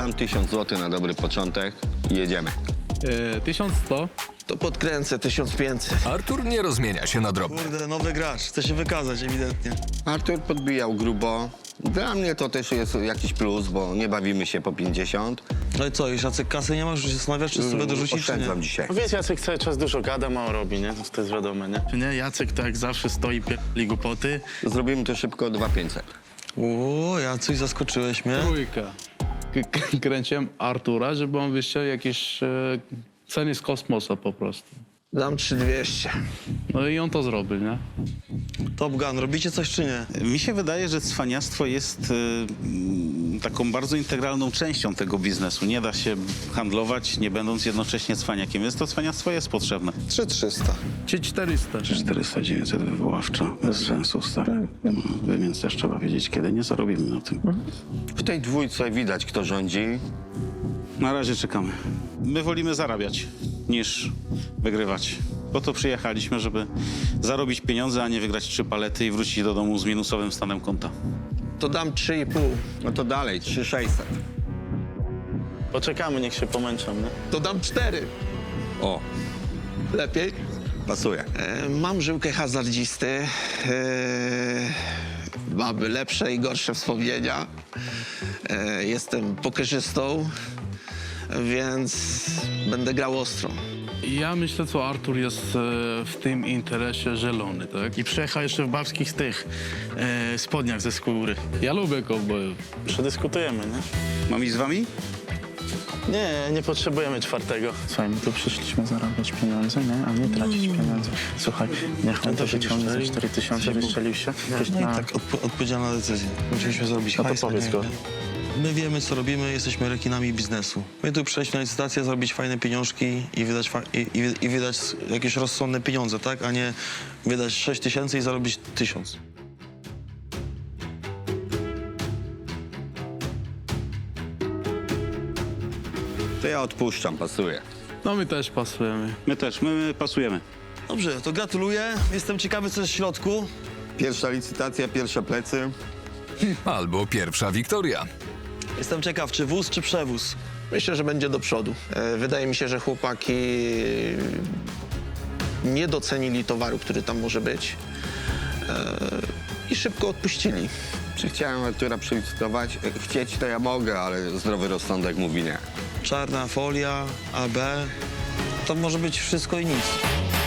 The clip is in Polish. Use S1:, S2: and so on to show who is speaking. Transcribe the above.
S1: Dam 1000 zł na dobry początek i jedziemy.
S2: 1100.
S3: To podkręcę 1500.
S4: Artur nie rozmienia się na drobne.
S5: Kurde, nowy gracz, chce się wykazać ewidentnie.
S1: Artur podbijał grubo. Dla mnie to też jest jakiś plus, bo nie bawimy się po 50.
S5: No i co, już Jacek kasy nie masz, że się zastanawiasz, czy sobie dorzucić, czy nie?
S1: Oszczędzam dzisiaj.
S6: No wiesz, Jacek cały czas dużo gada, mało robi, nie? To jest wiadome, nie?
S2: Nie, Jacek tak jak zawsze stoi pierdoli głupoty.
S1: Zrobimy to szybko 2500.
S5: O, Jacuś, zaskoczyłeś mnie.
S2: Trójka. Kręciłem Artura, żeby on wyściął jakieś ceny z kosmosa po prostu.
S3: Dam 3200.
S2: No i on to zrobił, nie?
S5: Top Gun, robicie coś, czy nie?
S7: Mi się wydaje, że cwaniactwo jest taką bardzo integralną częścią tego biznesu. Nie da się handlować, nie będąc jednocześnie cwaniakiem, więc to cwaniactwo jest potrzebne.
S3: 3300.
S2: Czy 400.
S7: 400, 900 wywoławczo, bez sensu, stary. Więc też trzeba wiedzieć, kiedy nie zarobimy na tym.
S1: W tej dwójce widać, kto rządzi.
S7: Na razie czekamy. My wolimy zarabiać, niż wygrywać. Po to przyjechaliśmy, żeby zarobić pieniądze, a nie wygrać 3 palety i wrócić do domu z minusowym stanem konta.
S3: To dam 3,5.
S1: No to dalej, 3600.
S6: Poczekamy, niech się pomęczą, nie?
S3: To dam 4.
S1: O,
S3: Lepiej?
S1: pasuje.
S3: Mam żyłkę hazardzisty. Mamy lepsze i gorsze wspomnienia. Jestem pokerzystą, więc będę grał ostro.
S2: Ja myślę, co Artur jest w tym interesie zielony, tak? I przyjechał jeszcze w babskich tych spodniach ze skóry. Ja lubię kowbojów.
S6: Przedyskutujemy, nie?
S7: Mam iść z wami?
S6: Nie, nie potrzebujemy czwartego.
S8: Słuchaj, my tu przyszliśmy zarabiać pieniądze, nie? A nie tracić pieniędzy. Słuchaj, niech on to wyciągnie za 4000, wystrzelił się.
S5: Tak, odpowiedzialna decyzja. Musieliśmy zrobić
S6: No to
S5: hajs,
S6: powiedz
S5: nie?
S6: go.
S5: My wiemy, co robimy, jesteśmy rekinami biznesu. My tu przejść na licytację, zrobić fajne pieniążki i wydać jakieś rozsądne pieniądze, tak? A nie wydać 6000 i zarobić 1000.
S1: To ja odpuszczam, pasuje.
S2: No my też pasujemy.
S7: My też, my pasujemy.
S5: Dobrze, to gratuluję. Jestem ciekawy, co jest w środku.
S1: Pierwsza licytacja, pierwsze plecy.
S4: Albo pierwsza wiktoria.
S5: Jestem ciekaw, czy wóz, czy przewóz.
S3: Myślę, że będzie do przodu. Wydaje mi się, że chłopaki nie docenili towaru, który tam może być i szybko odpuścili.
S1: Czy chciałem Artura przelicytować? Chcieć to ja mogę, ale zdrowy rozsądek mówi nie.
S5: Czarna folia, AB. To może być wszystko i nic.